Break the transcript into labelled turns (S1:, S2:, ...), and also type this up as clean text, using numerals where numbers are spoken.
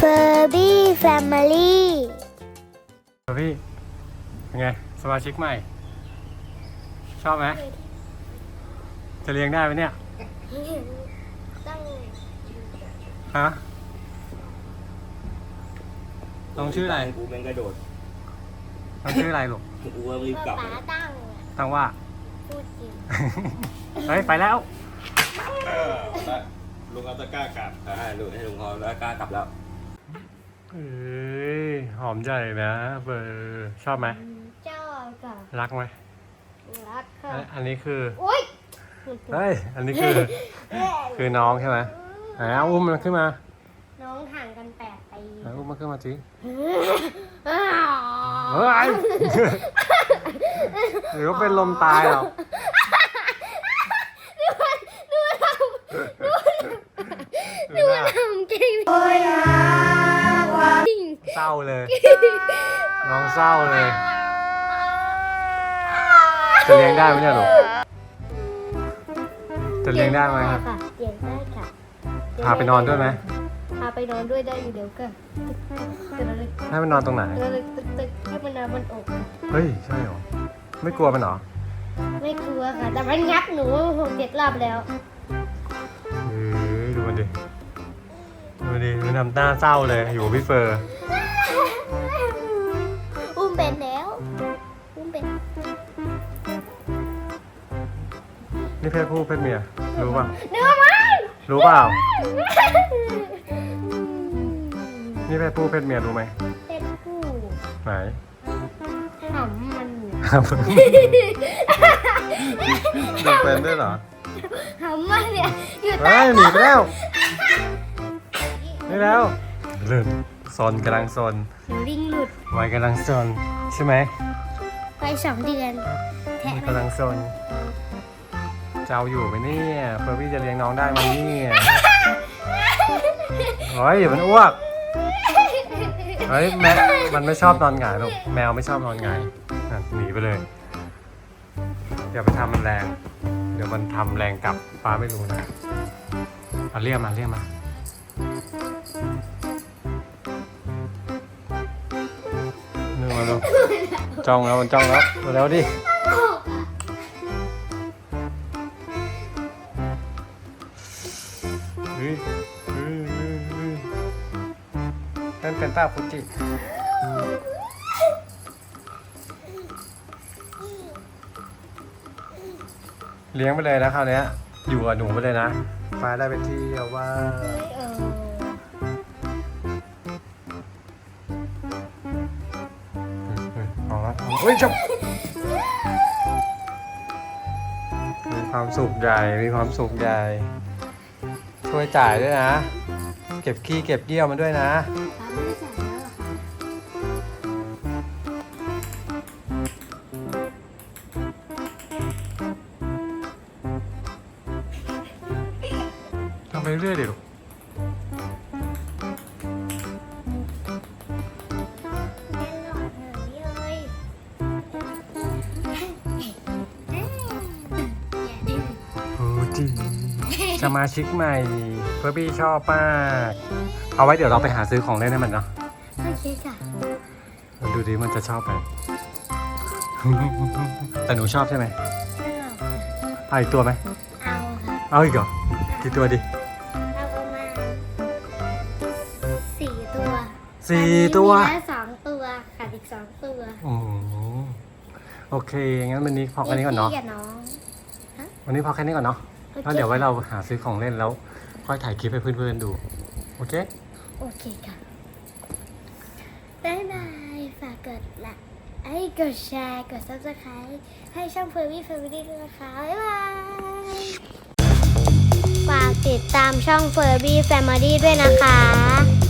S1: Furby Family
S2: พี่เป็นไงสมาชิกใหม่ ชอบไหมจะเลี้ยงได้ไหมเนี่ยฮะน้องชื่ออะไร
S3: กูแม่งกระโดด
S2: น้องชื่ออะไรลูก
S3: กูว่ารีบกลับ
S1: ป๊าตั้ง
S2: ตั้งว่า
S1: พูดจริง
S2: เฮ้ยไปแล้ว
S3: ลุงเอาตะกร้ากลับลุงให้ลุงเอาตะกร้ากลับแล้ว
S2: เอ้ยหอมใหญ่นะเบอร์ชอบไหม
S1: เจ้ากับ
S2: รักไหม
S1: รักค่ะ
S2: อันนี้คือ
S1: โอ๊ย
S2: เฮ้ยอันนี้คือน้องใช่ไหมเอาอุ้มมันขึ้นมา
S1: น้องห่างกัน8 ปี
S2: เอาอุ้มมันขึ้นมาสิ
S1: อ้าว
S2: เฮ้ยหรือว่าเป็นลมตายเหรอ
S1: ดูมันทำเก่งจริง
S2: เศร้าเลย น้องเศร้าเลย จะเลี้ยงได้ไหมเนี่ยลูกจะเลี้ยงได้ไหมครับ
S1: ค่ะเลี้ยงได้ค่ะ
S2: พาไปนอนด้วยไหม
S1: พาไปนอนด้วยได้อยู่เดี๋ยวก็
S2: ให้มันนอนตรงไหน
S1: ตึกให้มันนอนบนอก
S2: เฮ้ยใช่เหรอไม่กลัวมันเหรอ
S1: ไม่กลัวค่ะ แต่มันงับหนู6-7 รอบแล้ว
S2: ดูมันดิมันทำหน้าเศร้าเลยอยู่กับพี่เฟอร์
S1: อุ้มเป็นแล้วอุ้มเป็น
S2: นี่เพศผู้เพศเมียรู้ป่ะ
S1: เนื้อมัน
S2: รู้เปล่านี่เพศผู้เพศเมียรู้ไหม
S1: เป็นผู้
S2: ไหน
S1: หำมัน
S2: ดูเป็นด้วยเหรอ
S1: หำมันเนี่ยอยู่
S2: เฮ้
S1: ใต้
S2: ยหนีไปแล้วนี่แล้วเริ่มซนกำลังซน
S1: ลิงหลุด
S2: วัยกำลังซนใช่ไหม
S1: ไป2 เดือนแทะ
S2: กำลังซนจะเอาอยู่ไหมเนี่ยเฟอร์บี้จะเลี้ยงน้องได้ไหมเนี่ยเฮ้ยอย่ามันอ้วกเฮ้ยแมวมันไม่ชอบนอนหงายหรอกแมวไม่ชอบนอนหงายหนีไปเลยอย่าไปทำมันแรงเดี๋ยวมันทำแรงกลับฟ้าไม่รู้นะเอาเรียกมานี่มาดูจ้องแล้วมันจ้องแล้วมาแล้วดินั่นเป็นป้าฟุจิเลี้ยงไปเลยนะคราวนี้อยู่กับหนูไปเลยนะฟ้าได้ไปเที่ยวว่าเอาละเฮ้ยจบมีความสุขใหญ่มีความสุขใหญ่ช่วยจ่ายด้วยนะเก็บขี้เก็บเยี่ยวมันด้วยนะทำไปเรื่อยดิลูกสมาชิกใหม่เพื่อพี่ชอบมากเอาไว้เดี๋ยวเราไปหาซื้อของเล่นให้มันเนาะ
S1: โอเคค่ะ
S2: มันดูดิมันจะชอบไหม แต่หนูชอบใช่ไหมเอาอีกตัวไหม
S1: เอาค่ะ
S2: เอาอีกเหรอกี่ตัวดิ
S1: เอาประมาณ4 ตัว
S2: 4 ตัว
S1: มีแค่2 ตัวขาดอีก2 ตัว
S2: โอ้โหโอเคงั้นวันนี้พอแค่นี้ก่อนเนาะ
S1: พี่กับน้อง
S2: วันนี้พอแค่นี้ก่อนเนาะแล้วเดี๋ยวไว้เราหาซื้อของเล่นแล้วค่อยถ่ายคลิปให้เพื่อนๆดูโอเค
S1: โอเคค่ะบ๊ายบายฝากกดไลค์กดแชร์กด Subscribe ให้ช่อง Furby Family ด้วยนะคะบ๊ายบายฝากติดตามช่อง Furby Family ด้วยนะคะ